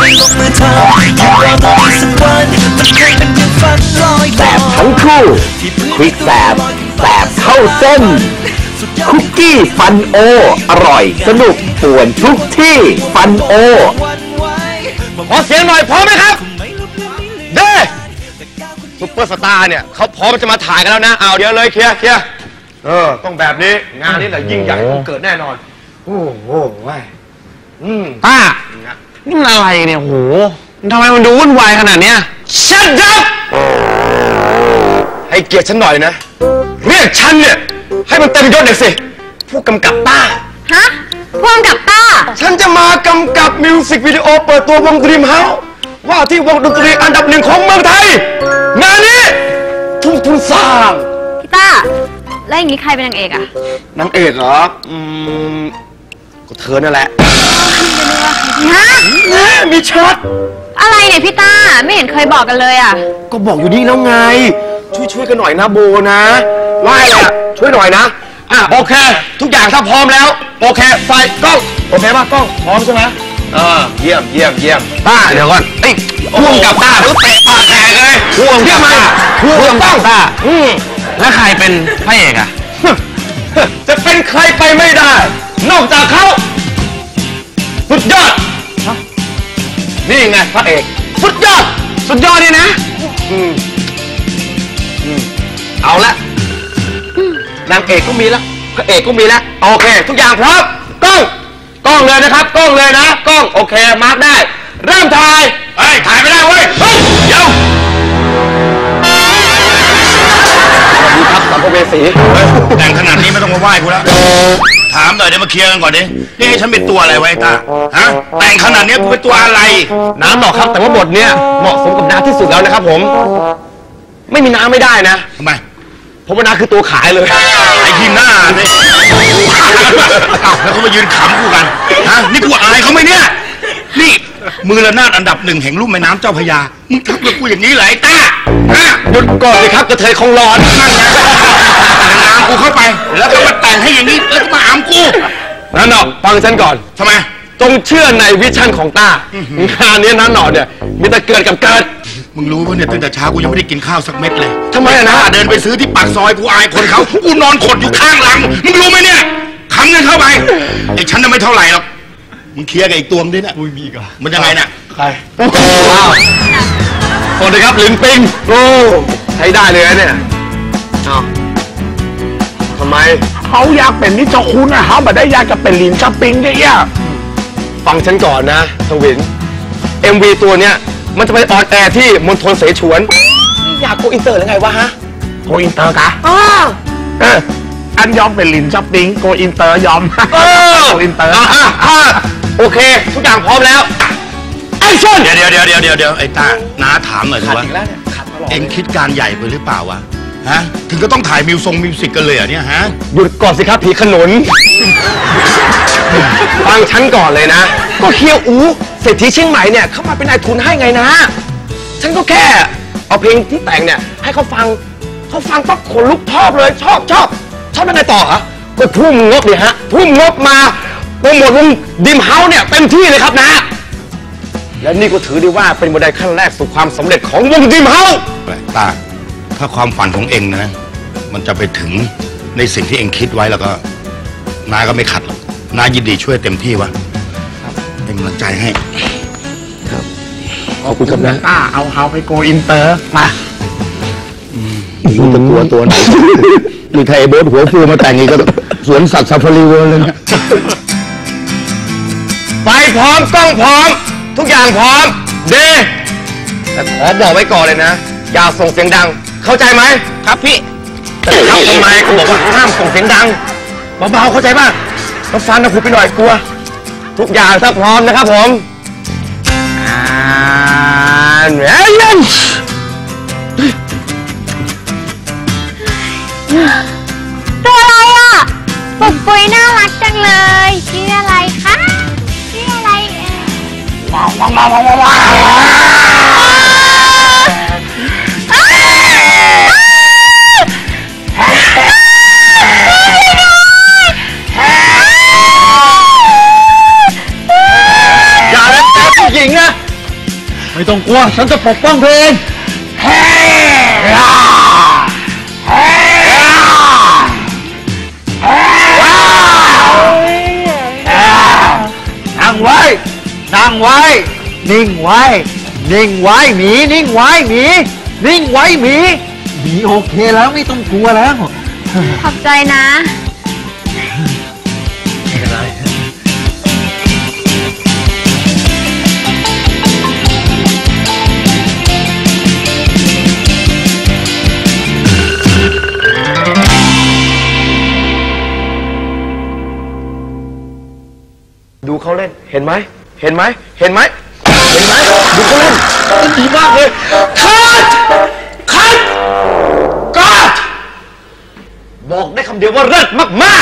ลงมือทำคิดว่าต้องมีสักวันมันคงเป็นเพียงฝันลอยแสบทั้งคู่ควิกแสบเข้าเส้นคุกกี้ฟันโออร่อยสนุกป่วนทุกที่ฟันโอขอเสียงหน่อยพร้อมไหมครับเด้ซุปเปอร์สตาร์เนี่ยเขาพร้อมจะมาถ่ายกันแล้วนะเอาเดี๋ยวเลยเคลียร์ต้องแบบนี้งานนี้แหละยิ่งใหญ่ต้องเกิดแน่นอนโอ้โหป้านี่มันอะไรเนี่ยโหทำไมมันดูวุ่นวายขนาดเนี้ย Shut up ให้เกียรติฉันหน่อยนะเรียกฉันเนี่ยให้มันเต็มยศหน่อยสิผู้กำกับต้าฮะผู้กำกับต้าฉันจะมากำกับมิวสิกวิดีโอเปิดตัววง Dream House ว่าที่วงดนตรีอันดับหนึ่งของเมืองไทยงานนี้ทุ่มทุนสร้างพี่ต้าแล้วอย่างนี้ใครเป็นนางเอกอะนางเอกเหรอก็เธอนั่นแหละฮะมีช็อตอะไรเนี่ยพี่ต้าไม่เห็นเคยบอกกันเลยอะก็บอกอยู่นี่แล้วไงช่วยกันหน่อยนะโบนะว่าอะไรอะช่วยหน่อยนะโอเคทุกอย่างถ้าพร้อมแล้วโอเคไฟกล้องโอเคป่ะกล้องพร้อมใช่ไหมเยี่ยมต้าเดี๋ยวก่อนพ่วงกับต้าแล้วเตะปากแตกเลยพ่วงกับต้าแล้วใครเป็นพระเอกอะจะเป็นใครไปไม่ได้นอกจากเขาสุดยอดนี่ไงพระเอกสุดยอดนี่นะเอาละนางเอกก็มีแล้วพระเอกก็มีแล้วโอเคทุกอย่างพร้อมกล้องเลยนะครับกล้องเลยนะกล้องโอเคมาร์คได้เริ่มถ่ายถ่ายไม่ได้เว้ยเดี๋ยวสวัสดีครับสัมภเวสีแต่งขนาดนี้ไม่ต้องมาไหว้กูแล้วถามหน่อยเดี๋ยวมาเคลียร์กันก่อนดินี่ให้ฉันเป็นตัวอะไรไว้ตาฮะแต่งขนาดนี้กูเป็นตัวอะไรน้ำหรอกครับแต่ว่าบทเนี้ยเหมาะสมกับน้ำที่สุดแล้วนะครับผมไม่มีน้ำไม่ได้นะทำไมผมว่าน้ำคือตัวขายเลยไอ้ที่หน้าเนี่ยแล้วเขามายืนขำกูกันฮะนี่กูอายเขาไหมเนี่ยนี่มือระนาดอันดับหนึ่งแห่งลุ่มแม่น้ำเจ้าพระยามึงทำกับกูอย่างนี้เหรอไอ้ต้าหยุดก่อนสิครับกระเทยคงร้อนนั่นไงตามกูเข้าไปแล้วก็มาแต่งให้อย่างนี้แล้วก็มาอามกูนั่นหนอฟังฉันก่อนทำไมจงเชื่อในวิชั่นของต้างานนี้นั่นหนอเนี่ยมีแต่เกิดกับเกิดมึงรู้ว่าเนี่ยตั้งแต่เช้ากูยังไม่ได้กินข้าวสักเม็ดเลยทำไมนะเดินไปซื้อที่ปากซอยกูอายคนเขากูนอนขดอยู่ข้างหลังมึงรู้ไหมเนี่ยขำเงินเข้าไปไอ้ฉันน่ะไม่เท่าไหร่หรอกมึงเคลียร์กับอีกตัวมึงดิเนี่ยมีอีกมันยังไงเนี่ยใครสวัสดีครับลินปิงโอ้ใช้ได้เลยนะเนี่ยทำไมเขาอยากเป็นนิจคุณนะเขาแบบได้อยากจะเป็นลินชัปปิงเนี่ยฟังฉันก่อนนะทวิน MV ตัวเนี้ยมันจะไปออนแอร์ที่มณฑลเสฉวนอยากโกอินเตอร์หรือไงวะฮะโกอินเตอร์กะอันยอมเป็นลินชัปปิงโกอินเตอร์ยอมโกอินเตอร์โอเคทุกอย่างพร้อมแล้วไอ้ชนเดี๋ยวไอ้ตาน้าถามหน่อยสิว่าเอ็งคิดการใหญ่ไปหรือเปล่าวะฮะถึงก็ต้องถ่ายมิวสิกกันเลยอ่ะเนี่ยฮะหยุดก่อนสิครับผีขนุนฟังฉันก่อนเลยนะก็เคียวอูเศรษฐีเชียงใหม่เนี่ยเข้ามาเป็นนายทุนให้ไงนะฉันก็แค่เอาเพลงที่แต่งเนี่ยให้เขาฟังปั๊บขนลุกชอบเลยชอบเป็นไงต่อฮะก็ทุ่มงบเลยฮะทุ่มงบมาโปรโมทวงดิมเฮาส์เนี่ยเต็มที่เลยครับนะและนี่ก็ถือได้ว่าเป็นบันไดขั้นแรกสู่ความสำเร็จของวงดิมเฮาส์ตาถ้าความฝันของเองนะมันจะไปถึงในสิ่งที่เองคิดไว้แล้วก็น้าก็ไม่ขัดหรอกน้ายินดีช่วยเต็มที่วะเป็นกำลังใจให้ครับขอบคุณครับนะเอาเฮาไปโกอินเตอร์มารู้จะตัวไหนมีไทยโบ๊ทหัวฟูมาแต่งอีกก็สวนสัตว์ซาฟารีเวิลด์เลยเนี่ยไฟพร้อมกล้องพร้อมทุกอย่างพร้อมเดแต่ขอบอกไว้ก่อนเลยนะอย่าส่งเสียงดังเข้าใจไหมครับพี่แต่ครับทำไมเขาบอกว่าห้ามส่งเสียงดังเบาๆเข้าใจป่ะต้องฟังนะคุณไปหน่อยกลัวทุกอย่างถ้าพร้อมนะครับผมตัวอะไรอ่ะปุกปุยน่ารักจังเลยชื่ออะไรคะชื่ออะไรว้าวอย่าเลยผู้หญิงนะไม่ต้องกลัวฉันจะปกป้องเธอเองนั่งไว้นั่งไว้นิ่งไว้นิ่งไว้หมีนิ่งไว้หมีนิ่งไว้หมีหมีโอเคแล้วไม่ต้องกลัวแล้วขอบใจนะไม่เป็นไรดูเขาเล่นเห็นไหมเห็นไหมเห็นไหมเห็นไหมดูเขาเล่นดีมากเลยคัดบอกได้คำเดียวว่าเลิศมาก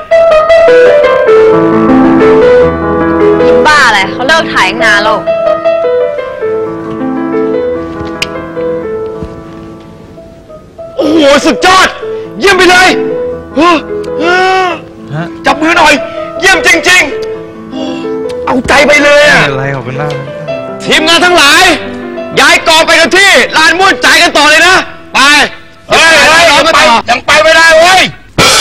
ยิ้มบ้าอะไรเขาเลิกถ่ายตั้งนานแล้วโอ้โหสุดยอดเยี่ยมไปเลยจับมือหน่อยเยี่ยมจริงๆเอาใจไปเลยอะอะไรขอบคุณมากทีมงานทั้งหลายย้ายกองไปกันที่ลานม่วนใจกันต่อเลยนะไปเฮ้ยยังไปไม่ได้เว้ย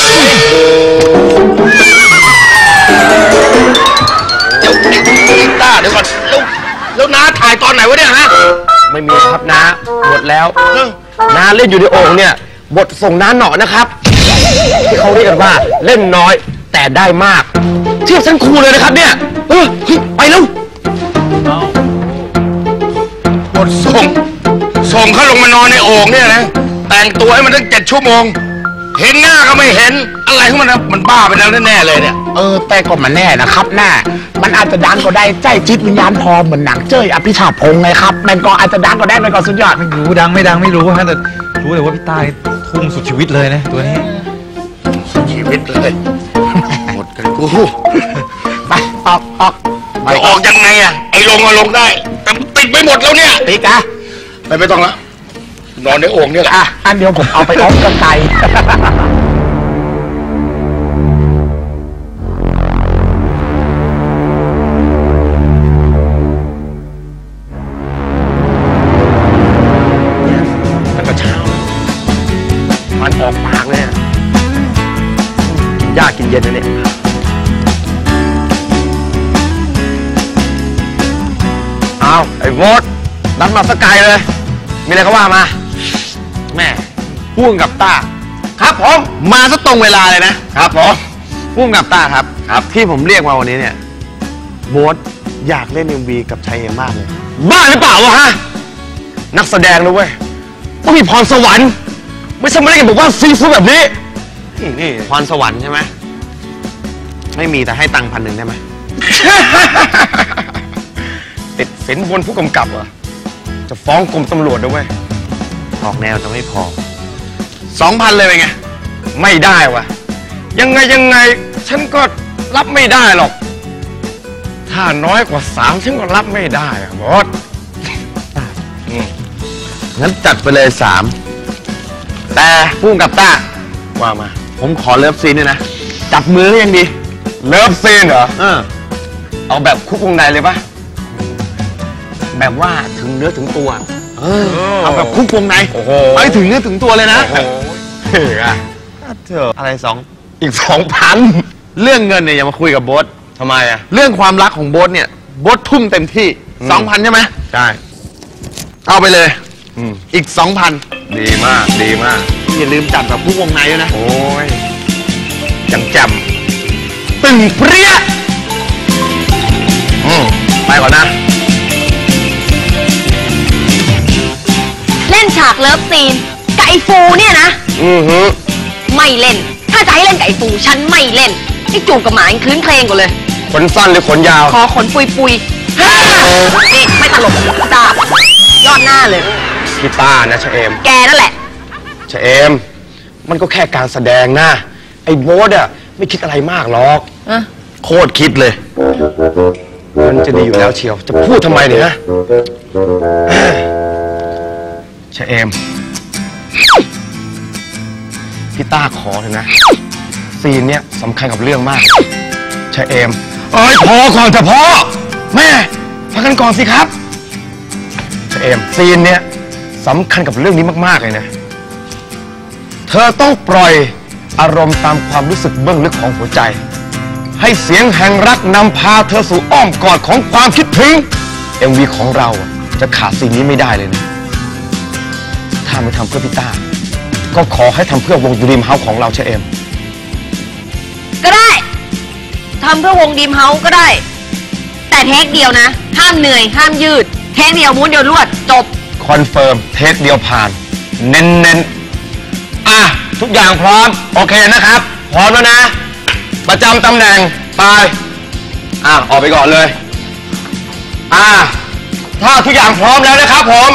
เดี๋ยวก่อนแล้วน้าถ่ายตอนไหนวะเนี่ยฮะไม่มีครับน้าหมดแล้วน้าเล่นอยู่ในโอ่งเนี่ยบทส่งน้าหนอนะครับที่เขาเรียกกันว่าเล่นน้อยแต่ได้มากเทียบชั้นครูเลยนะครับเนี่ยไปแล้วบทส่งเขาลงมานอนในโอ่งเนี่ยนะแต่งตัวให้มันตั้ง7 ชั่วโมงเห็นหน้าก็ไม่เห็นอะไรของมันนะมันบ้าไปแล้วแน่ๆเลยเนี่ยแต่ก็มันแน่นะครับแน่มันอาจจะดังก็ได้ใจจิตวิญญาณพอเหมือนหนังเจ้ยอภิชาติพงษ์ไงครับมันก็อาจจะดังก็ได้มันก็สุดยอดไม่รู้ดังไม่ดังไม่รู้ฮะแต่รู้แต่ว่าพี่ตายทุ่มสุดชีวิตเลยนะตัวนี้ชีวิตเลยหมดกันกูไปออกจะออกยังไงอะไอ้ลงได้แต่ติดไม่หมดแล้วเนี่ยตีจ้ะไม่ต้องละนอนในโอ่งเนี่ยแหละอันเดียวผมเอาไปออกกันไกลแล้วก็เช้ามันออกปากเลยกินยากกินเย็นนะเนี่ยเอาไอ้โวดนัดมาสกายเลยมีอะไรก็ว่ามาแม่พ่วงกับต้าครับผมมาซะตรงเวลาเลยนะครับผมพ่วงกับต้าครับที่ผมเรียกมาวันนี้เนี่ยโบ๊ทอยากเล่น MV กับชัยเอ็มมากเลยบ้าหรือเปล่าวะฮะนักแสดงนะเว้ยต้องมีพรสวรรค์ไม่ใช่มาเล่นกันบอกว่าซีฟู้ดแบบนี้นี่พรสวรรค์ใช่ไหมไม่มีแต่ให้ตังค์1,000ได้ไหม ติดสินบนผู้กำกับเหรอจะฟ้องกรมตำรวจด้วยเว้ยออกแนวจะไม่พอ 2,000 เลยเป็นไงไม่ได้วะยังไงฉันก็รับไม่ได้หรอกถ้าน้อยกว่า3ฉันก็รับไม่ได้อะบอสงั้นจัดไปเลย3แต่พุ่งกับต้าว่ามาผมขอเลิฟซีนด้วยนะจับมือก็ยังดีเลิฟซีนเหรอเอาแบบคุกวงในเลยปะแบบว่าถึงเนื้อถึงตัวเอาแบบคุกวงในไปถึงเนื้อถึงตัวเลยนะอะไรอีก 2,000 เรื่องเงินเนี่ยอย่ามาคุยกับโบ๊ททำไมอะเรื่องความรักของโบ๊ทเนี่ยโบ๊ททุ่มเต็มที่ 2,000 ใช่ไหมใช่เอาไปเลยอีก 2,000 ดีมากอย่าลืมจัดแบบคุกวงในด้วยนะโอ้ยยังจำตึงเปรี้ยไปก่อนนะเล่นฉากเลิฟซีนไก่ฟูเนี่ยนะไม่เล่นถ้าจะให้เล่นไก่ฟูฉันไม่เล่นไอ้จูบกับหมายังคลื้นเครงกว่าเลยขนสั้นหรือขนยาวคอขนปุยนี่ไม่ตลกดาบยอดหน้าเลยพี่ต้านะชะเอมแกนั่นแหละชะเอมมันก็แค่การแสดงนะไอ้โบ๊ทอะไม่คิดอะไรมากหรอกโคตรคิดเลยมันจะดีอยู่แล้วเชียวจะพูดทำไมเนี่ยนะชะเอมพี่ต้าขอเถอะนะซีนเนี้ยสำคัญกับเรื่องมากชะเอมพอก่อนจะพอแม่พักกันก่อนสิครับเอมซีนเนี่ยสำคัญกับเรื่องนี้มากๆเลยนะเธอต้องปล่อยอารมณ์ตามความรู้สึกเบื้องลึกของหัวใจให้เสียงแห่งรักนำพาเธอสู่อ้อมกอดของความคิดถึง MV ของเราจะขาดซีนนี้ไม่ได้เลยนะถ้าไม่ทำเพื่อพี่ต้าก็ขอให้ทำเพื่อวงดรีมเฮาส์ของเราเชเอมก็ได้ทำเพื่อวงดีมเฮาส์ก็ได้แต่เทคเดียวนะห้ามเหนื่อยห้ามยืดเทคเดียวม้วนเดียวรวดจบคอนเฟิร์มเทคเดียวผ่านเน้นๆทุกอย่างพร้อมโอเคนะครับพร้อมแล้วนะประจำตำแหน่งไปออกไปก่อนเลยถ้าทุกอย่างพร้อมแล้วนะครับผม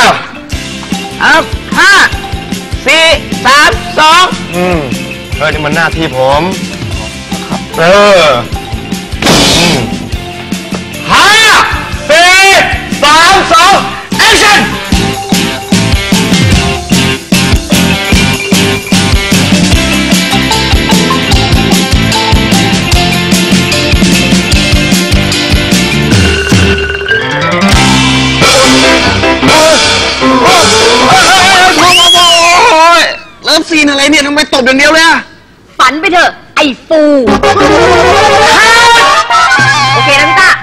5 4 3 2นี่มันหน้าที่ผม5 4 3 2 actionเริ่มซีนอะไรเนี่ยทำไมตบอย่างเดียวเลยอะฝันไปเถอะไอ้ฟูโอเคนะพี่ต้า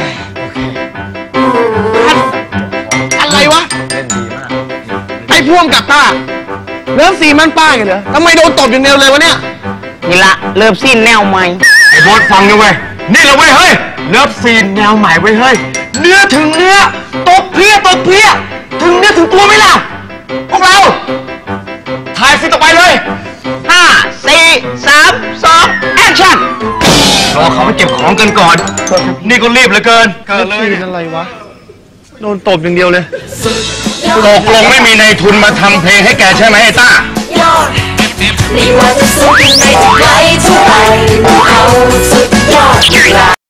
อะไรวะไอ้พ่วงกับต้าเริ่มซีนมันป้าไงเหรอทำไมโดนตบอย่างเดียวเลยวะเนี่ยนี่ละเริ่มซีนแนวใหม่ไอ้โบสฟังนะเว้ยนี่แหละเว้ยเฮ้ยเริ่มซีนแนวใหม่เว้ยเฮ้ยเนื้อถึงเนื้อตบเพลี้ยถึงเนื้อถึงตัวไหมล่ะพวกเราถ่ายซีนต่อไปเลย5 4 3 2 action รอเขาไปเก็บของกันก่อนนี่ก็รีบเหลือเกินเลยอะไรวะโดนตบอย่างเดียวเลยตกลงไม่มีนายทุนมาทำเพลงให้แกใช่ไหมไอ้ต้าไม่ว่าจะสู้ยังไง